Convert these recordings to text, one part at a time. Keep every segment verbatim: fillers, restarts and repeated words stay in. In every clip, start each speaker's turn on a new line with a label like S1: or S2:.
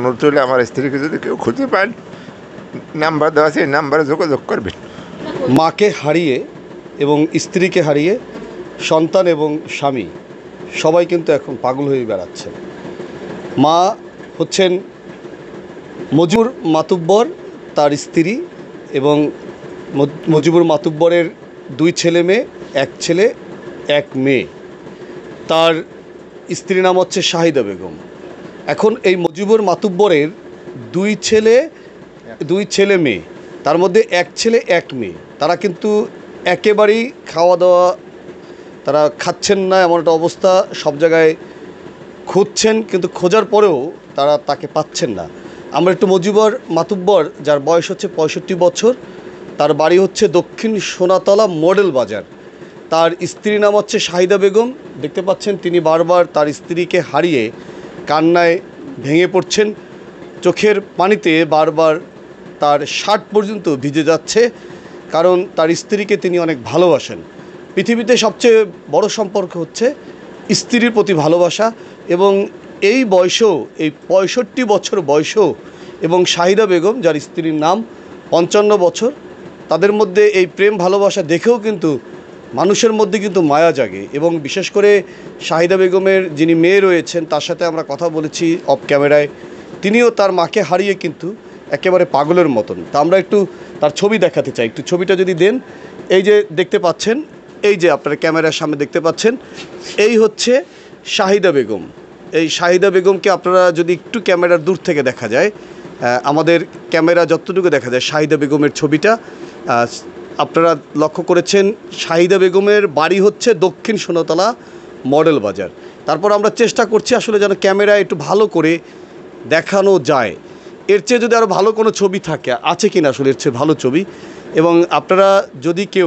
S1: অনুরোধ হলে আমার স্ত্রীকে যদি কেউ খুঁজে পান, নাম্বার দেওয়া আছে, এই নাম্বারে যোগাযোগ করবেন।
S2: মাকে হারিয়ে এবং স্ত্রীকে হারিয়ে সন্তান এবং স্বামী সবাই কিন্তু এখন পাগল হয়ে বেড়াচ্ছে। মা হচ্ছেন মজিবুর মাতুব্বর, তার স্ত্রী এবং মজিবুর মাতুব্বরের দুই ছেলে মেয়ে, এক ছেলে এক মেয়ে। তার স্ত্রী নাম হচ্ছে শাহিদা বেগম। এখন এই মজিবুর মাতুব্বরের দুই ছেলে দুই ছেলে মেয়ে, তার মধ্যে এক ছেলে এক মেয়ে, তারা কিন্তু একেবারেই খাওয়া দাওয়া তারা খাচ্ছেন না, এমন একটা অবস্থা। সব জায়গায় খুঁজছেন, কিন্তু খোঁজার পরেও তারা তাকে পাচ্ছেন না। আমরা একটু মজিবুর মাতুব্বর, যার বয়স হচ্ছে পঁয়ষট্টি বছর, তার বাড়ি হচ্ছে দক্ষিণ সোনাতলা মডেল বাজার। তার স্ত্রী নাম হচ্ছে শাহিদা বেগম। দেখতে পাচ্ছেন তিনি বারবার তার স্ত্রীকে হারিয়ে কান্নায় ভেঙে পড়ছেন, চোখের পানিতে বারবার তার শার্ট পর্যন্ত ভিজে যাচ্ছে, কারণ তার স্ত্রীকে তিনি অনেক ভালোবাসেন। পৃথিবীতে সবচেয়ে বড় সম্পর্ক হচ্ছে স্ত্রীর প্রতি ভালোবাসা, এবং এই বয়সেও, এই পঁয়ষট্টি বছর বয়সেও, এবং শাহিদা বেগম যার স্ত্রীর নাম পঞ্চান্ন বছর, তাদের মধ্যে এই প্রেম ভালোবাসা দেখেও কিন্তু মানুষের মধ্যে কিন্তু মায়া জাগে। এবং বিশেষ করে শাহিদা বেগমের যিনি মেয়ে রয়েছেন, তার সাথে আমরা কথা বলেছি অফ ক্যামেরায়, তিনিও তার মাকে হারিয়ে কিন্তু একেবারে পাগলের মতন। তা আমরা একটু তার ছবি দেখাতে চাই, একটু ছবিটা যদি দেন। এই যে দেখতে পাচ্ছেন, এই যে আপনারা ক্যামেরার সামনে দেখতে পাচ্ছেন, এই হচ্ছে শাহিদা বেগম। এই শাহিদা বেগমকে আপনারা যদি একটু ক্যামেরার দূর থেকে দেখা যায়, আমাদের ক্যামেরা যতটুকু দেখা যায় শাহিদা বেগমের ছবিটা আপনারা লক্ষ্য করেছেন। শাহিদা বেগমের বাড়ি হচ্ছে দক্ষিণ সোনাতলা মডেল বাজার। তারপর আমরা চেষ্টা করছি আসলে যেন ক্যামেরা একটু ভালো করে দেখানো যায়। এর চেয়ে যদি আরও ভালো কোনো ছবি থাকে, আছে কি না আসলে এর চেয়ে ভালো ছবি। এবং আপনারা যদি কেউ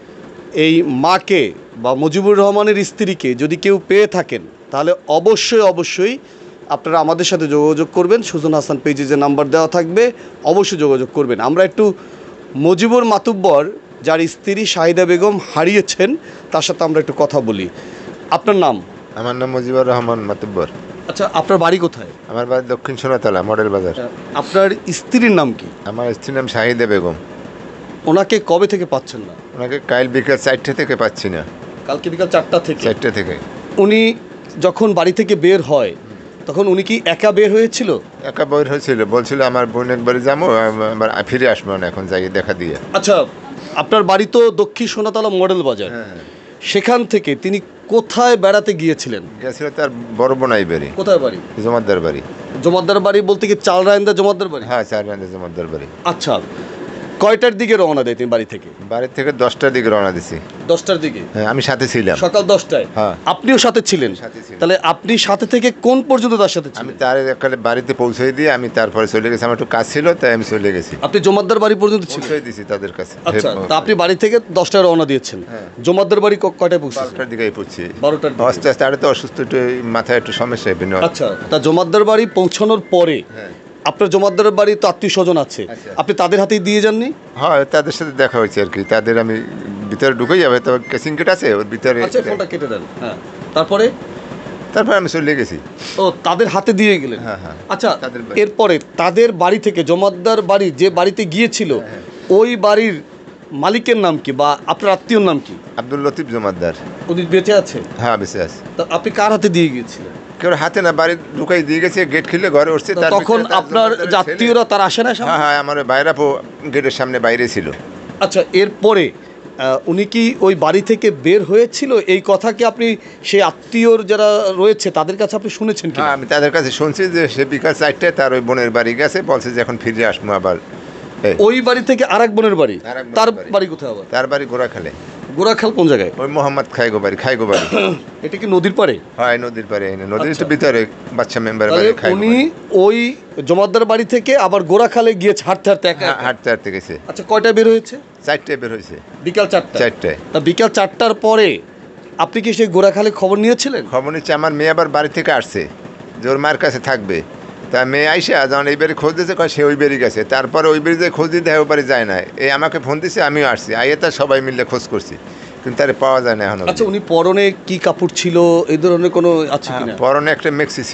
S2: এই মাকে বা মজিবুর রহমানের স্ত্রীকে যদি কেউ পেয়ে থাকেন, তাহলে অবশ্যই অবশ্যই আপনারা আমাদের সাথে যোগাযোগ করবেন। সুজন হাসান পেজে যে নাম্বার দেওয়া থাকবে, অবশ্যই যোগাযোগ করবেন। আমরা একটু মজিবুর মাতুব্বর, যার স্ত্রী শাহিদা বেগম হারিয়েছেন, তার সাথে আমরা একটু কথা বলি। আপনার নাম?
S1: আমার নাম মজিবুর রহমান মাতুব্বর।
S2: আচ্ছা, আপনার বাড়ি কোথায়?
S1: আমার বাড়ি দক্ষিণ সোনাতলা মডেল বাজার।
S2: আপনার স্ত্রীর নাম কি?
S1: আমার স্ত্রীর নাম শাহিদা বেগম।
S2: ওনাকে কবে থেকে পাচ্ছেন না?
S1: ওনাকে কাল বিকাল চারটে থেকে পাচ্ছি না।
S2: কালকে বিকাল চারটা থেকে?
S1: চারটে থেকে।
S2: উনি যখন বাড়ি থেকে বের হয়, তখন উনি কি একা বের হয়েছিল?
S1: একা বের হয়েছিল, বলছিল আমার বোনের বাড়ি যাবো, আবার ফিরে আসবো না, এখন যাই দেখা দিয়ে।
S2: আচ্ছা, আপনার বাড়ি তো দক্ষিণ সোনাতলা মডেল বাজার।
S1: হ্যাঁ,
S2: সেখান থেকে তিনি কোথায় বেড়াতে গিয়েছিলেন?
S1: গেছিল তার বড় বোনাই বাড়ি।
S2: কোথায় বাড়ি?
S1: জমাদ্দার বাড়ি।
S2: জমাদ্দার বাড়ি বলতে কি চাল রায়ন্দা জমাদ্দার বাড়ি?
S1: হ্যাঁ, চার রান্দা জমাদ্দার বাড়ি।
S2: আচ্ছা, কয়টার দিকে রওনা দেয় তিনি বাড়ি থেকে?
S1: বাড়ি থেকে দশটার দিকে রওনা দিছি।
S2: দশটার দিকে?
S1: হ্যাঁ, আমি সাথে ছিলাম।
S2: সকাল দশটায়?
S1: হ্যাঁ।
S2: আপনিও সাথে ছিলেন?
S1: সাথে ছিলাম।
S2: তাহলে আপনি সাথে থেকে কোন পর্যন্ত তার সাথে
S1: আমি
S2: ছিলেন?
S1: তার একালে বাড়িতে পৌঁছে দিয়ে আমি তারপরে চলে গেছি। আমার একটু কাজ ছিল, তাই আমি চলে গেছি।
S2: আপনি জমাদ্দার বাড়ি পর্যন্ত ছিলেন?
S1: পৌঁছে দিছি তাদের কাছে।
S2: আচ্ছা, তা আপনি বাড়ি থেকে দশটায় রওনা দিয়েছেন।
S1: হ্যাঁ।
S2: জমাদ্দার বাড়ি ক- কয়টায় পৌঁছেছেন?
S1: বারোটার দিকে পড়ছি।
S2: বারোটার দিকে?
S1: আস্তে আস্তে, আরে তো অসুস্থ, একটু মাথায় একটু সমস্যা।
S2: আচ্ছা, তা জমাদ্দার বাড়ি পৌঁছানোর পরে
S1: হ্যাঁ,
S2: আপনার জমাদ্দারের বাড়ি তো আত্মীয় স্বজন আছে,
S1: আচ্ছা।
S2: আপনি তাদের হাতেই দিয়ে যাননি?
S1: হ্যাঁ, তাদের সাথে দেখা হয়েছে আর কি। তাদের আমি ভিতরে ঢুকে যাবে, তবে কেসিং গেট আছে ওর ভিতরে।
S2: আচ্ছা, ফোনটা কেটে দেন। হ্যাঁ, তারপরে?
S1: তারপর আমি চলে গেছি।
S2: ও, তাদের হাতে দিয়ে গেলেন?
S1: হ্যাঁ, হ্যাঁ।
S2: আচ্ছা,
S1: তাদের বাড়ি।
S2: এরপরে তাদের বাড়ি থেকে জমাদ্দার বাড়ি যে বাড়িতে গিয়েছিল,
S1: হ্যাঁ।
S2: ওই বাড়ির মালিকের নাম কি বা আপনার আত্মীয়র নাম কি?
S1: আব্দুল লতিফ জমাদ্দার।
S2: উনি বেঁচে আছে?
S1: হ্যাঁ, বেঁচে আছে।
S2: তা আপনি কার হাতে দিয়ে গিয়েছিলেন?
S1: কেউ হাতে না, বাড়ি ঢুকাই দিয়ে গেছে, গেট খুলে ঘরে উঠছে।
S2: তা
S1: তার
S2: তখন
S1: ভিতরে তার
S2: আপনার
S1: জমাদ্দারের
S2: যে
S1: ছেলে-
S2: আত্মীয়রা তারা আসে না সামনে?
S1: হ্যাঁ, হ্যাঁ, আমার ভাইরা গেটের সামনে বাইরে ছিল।
S2: আচ্ছা, এরপরে আহ, উনি কি ওই বাড়ি থেকে বের হয়েছিল, এই কথা কি আপনি সেই আত্মীয়র যারা রয়েছে তাদের কাছে আপনি শুনেছেন কি?
S1: হ্যাঁ, আমি তাদের কাছে শুনছি যে সে বিকাল চারটায় তার ওই বোনের বাড়ি গেছে, বলছে যে এখন ফিরে আসবো আবার। এই,
S2: ওই বাড়ি থেকে আরেক বোনের বাড়ি?
S1: আরেক বোনের
S2: তার
S1: বাড়ি।
S2: বাড়ি কোথায় আবার?
S1: তার বাড়ি গোড়াখালে।
S2: গোরাখাল কোন জায়গায়?
S1: ওই মোহাম্মদ খাইগো বাড়ি, খাইগো বাড়ি।
S2: এটা কি নদীর পাড়ে?
S1: হয়, নদীর পারে। নদীর
S2: আচ্ছা।
S1: একটু ভিতরে বাচ্চা মেম্বার
S2: তাহলে
S1: বাড়ি, খাইগো
S2: উনি
S1: বাড়ি।
S2: ওই জমাদ্দার বাড়ি থেকে আবার গোরাখালে গিয়েছে হাঁটতে হাঁটতে একা
S1: হ্যাঁ,
S2: একা?
S1: হাঁটতে হাঁটতে গেছে।
S2: আচ্ছা, কয়টা বের হয়েছে?
S1: চারটায় বের হয়েছে।
S2: বিকাল চারটা?
S1: চারটায়।
S2: তা বিকাল চারটার পরে আপনি কি সেই গোরাখালে খবর নিয়েছিলেন?
S1: খবর নিচ্ছে, আমার মেয়ে আবার বাড়ি থেকে আসছে যে ওর মায়ের কাছে থাকবে। তা মেয়ে আইসা যখন এই বাড়ি খোঁজ দিয়েছে, কয় সে ওই বাড়ি গেছে। তারপরে ওই বাড়ি যে খোঁজ দিতে হয়, ওই বাড়ি যায় না। এই আমাকে ফোন দিছে, আমিও আসছি। আইয়ে তার সবাই মিলে খোঁজ করছি, কিন্তু তারে পাওয়া যায় না এখনো।
S2: আচ্ছা, উনি পরনে কি কাপড় ছিল, এই ধরনের কোনো আছে কিনা?
S1: পরনে একটা মেক্সি ছিল।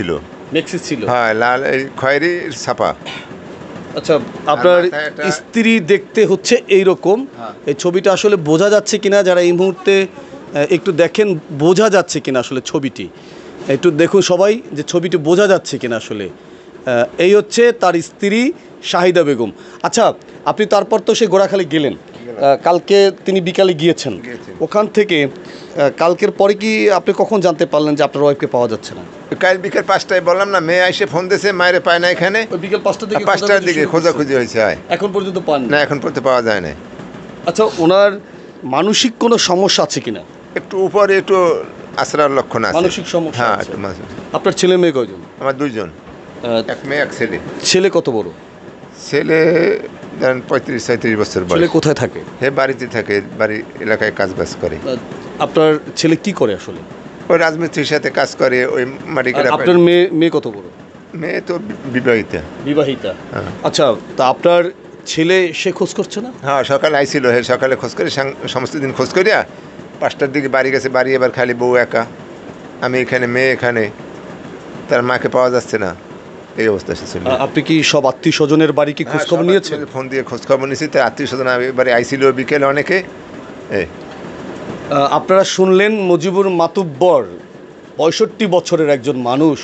S2: মেক্সি ছিল।
S1: হ্যাঁ, লাল এই খয়েরি ছাপা।
S2: আচ্ছা, আপনার
S1: মাথায় একটা-
S2: স্ত্রী দেখতে হচ্ছে এই রকম।
S1: হ্যাঁ।
S2: এই ছবিটা আসলে বোঝা যাচ্ছে কিনা, যারা এই মুহূর্তে আহ, একটু দেখেন বোঝা যাচ্ছে কিনা আসলে ছবিটি, একটু দেখুন সবাই যে ছবিটি বোঝা যাচ্ছে কিনা আসলে। আহ, এই হচ্ছে তার স্ত্রী শাহিদা বেগম। আচ্ছা, আপনি তারপর তো সে গোড়াখালী গেলেন, আহ, কালকে তিনি বিকালে গিয়েছেন।
S1: গিয়েছেন।
S2: ওখান থেকে আহ, কালকের পরে কি আপনি কখন জানতে পারলেন যে আপনার ওয়াইফকে পাওয়া যাচ্ছে না?
S1: কাল বিকেল পাঁচটায় বললাম না, মেয়ে এসে ফোন দিয়েছে, মায়ের পায় না এখানে।
S2: ওই বিকেল পাঁচটার দিকে
S1: পাঁচটার
S2: খোঁজাখুঁজি
S1: দিকে
S2: শুরু করছেন?
S1: খোঁজাখুঁজি হয়েছে। হয়
S2: এখন পর্যন্ত পান
S1: না, এখন পড়তে পাওয়া যায় না।
S2: আচ্ছা, ওনার মানসিক কোনো সমস্যা আছে কিনা?
S1: একটু উপরে একটু আশ্রার লক্ষণ আছে।
S2: মানসিক সমস্যা
S1: হ্যাঁ,
S2: আছে।
S1: একটু মানসিক।
S2: আপনার ছেলে মেয়ে কয়জন?
S1: আমার দুইজন,
S2: আহ,
S1: এক মেয়ে এক ছেলে।
S2: ছেলে কত বড়?
S1: ছেলে ধরেন পঁয়ত্রিশ ছয়ত্রিশ বছর
S2: ছেলে
S1: বয়স।
S2: কোথায় থাকে?
S1: হে বাড়িতে থাকে, বাড়ি এলাকায় কাজ বাজ করে।
S2: আহ, আপনার ছেলে কি করে আসলে?
S1: ওই রাজমিস্ত্রির সাথে কাজ করে, ওই মাটি
S2: আর
S1: কেটে।
S2: আপনার মেয়ে মেয়ে কত বড়?
S1: মেয়ে তো বিবাহিতা।
S2: বিবাহিতা।
S1: হ্যাঁ।
S2: আচ্ছা, তা আপনার ছেলে সে খোঁজ করছে না?
S1: হ্যাঁ, সকালে আইছিল, হে সকালে খোঁজ করে, সাং- সমস্ত দিন খোঁজ করিয়া পাঁচটার দিকে বাড়ি গেছে। বাড়ি এবার খালি বউ একা, আমি এখানে, মেয়ে এখানে, তার মাকে পাওয়া যাচ্ছে না। এই অবস্থা ছিল।
S2: আহ, আপনি কি সব আত্মীয় স্বজনের বাড়ি কি খোঁজ খবর নিয়েছেন?
S1: ফোন দিয়ে খোঁজ খবর নিয়েছি, তার আত্মীয় স্বজন এবারে আইছিল বিকেলে অনেকে। এই
S2: আহ, আপনারা শুনলেন মুজিবুর মাতুব্বর, পঁয়ষট্টি বছরের একজন মানুষ,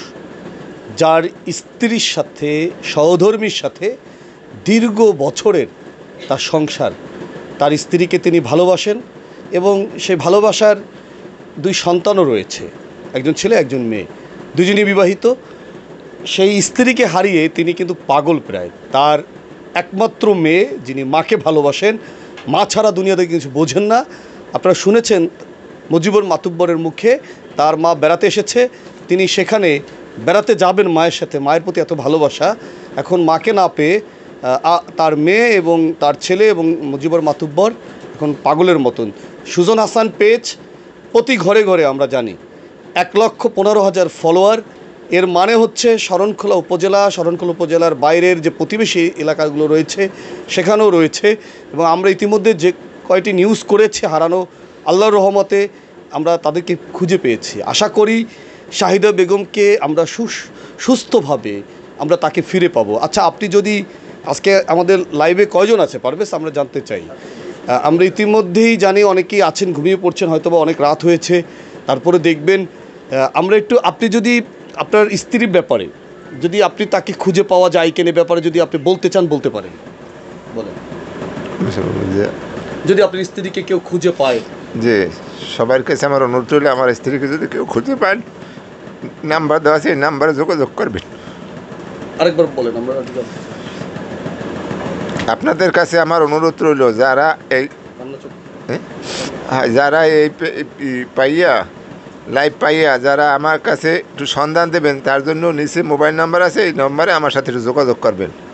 S2: যার স্ত্রীর সাথে, সহধর্মীর সাথে দীর্ঘ বছরের তার সংসার। তার স্ত্রীকে তিনি ভালোবাসেন এবং সেই ভালোবাসার দুই সন্তানও রয়েছে, একজন ছেলে একজন মেয়ে, দুজনই বিবাহিত। সেই স্ত্রীকে হারিয়ে তিনি কিন্তু পাগল প্রায়। তার একমাত্র মেয়ে, যিনি মাকে ভালোবাসেন, মা ছাড়া দুনিয়াতে কিছু বোঝেন না। আপনারা শুনেছেন মুজিবুর মাতুব্বরের মুখে, তার মা বেড়াতে এসেছে, তিনি সেখানে বেড়াতে যাবেন মায়ের সাথে, মায়ের প্রতি এত ভালোবাসা। এখন মাকে না পেয়ে আহ, তার মেয়ে এবং তার ছেলে এবং মুজিবুর মাতুব্বর এখন পাগলের মতন। সুজন হাসান পেজ প্রতি ঘরে ঘরে আমরা জানি এক লক্ষ পনেরো হাজার ফলোয়ার। এর মানে হচ্ছে শরণখোলা উপজেলা, শরণখোলা উপজেলার বাইরের যে প্রতিবেশী এলাকাগুলো রয়েছে সেখানেও রয়েছে। এবং আমরা ইতিমধ্যে যে কয়টি নিউজ করেছি হারানো, আল্লাহর রহমতে আমরা তাদেরকে খুঁজে পেয়েছি। আশা করি শাহিদা বেগমকে আমরা সুস- সুস্থভাবে আমরা তাকে ফিরে পাবো। আচ্ছা, আপনি যদি আজকে আমাদের লাইভে কয়জন আছে পারবেশ, আমরা জানতে চাই। আহ, আমরা ইতিমধ্যেই জানি অনেকেই আছেন, ঘুমিয়ে পড়ছেন, হয়তোবা অনেক রাত হয়েছে, তারপরে দেখবেন। আহ, আমরা একটু, আপনি যদি আপনার স্ত্রীর ব্যাপারে, যদি আপনি তাকে খুঁজে পাওয়া যায় কিনা ব্যাপারে যদি আপনি বলতে চান বলতে পারেন, বলেন।
S1: যে-
S2: যদি আপনার স্ত্রীকে কেউ খুঁজে পায়,
S1: যে সবার কাছে আমার অনুরোধ রইল, আমার স্ত্রীকে যদি কেউ খুঁজে পান, নাম্বার দেওয়া আছে, এই নাম্বারে যোগাযোগ করবেন।
S2: আরেকবার বলেন। আমরা
S1: আপনাদের কাছে আমার অনুরোধ রইল, যারা এই হ্যাঁ, যারা এই পে- এই পাইয়া লাইভ পাইয়া যারা আমার কাছে একটু সন্ধান দেবেন, তার জন্য নিচে মোবাইল নাম্বার আছে, এই নম্বরে আমার সাথে একটু যোগাযোগ করবেন।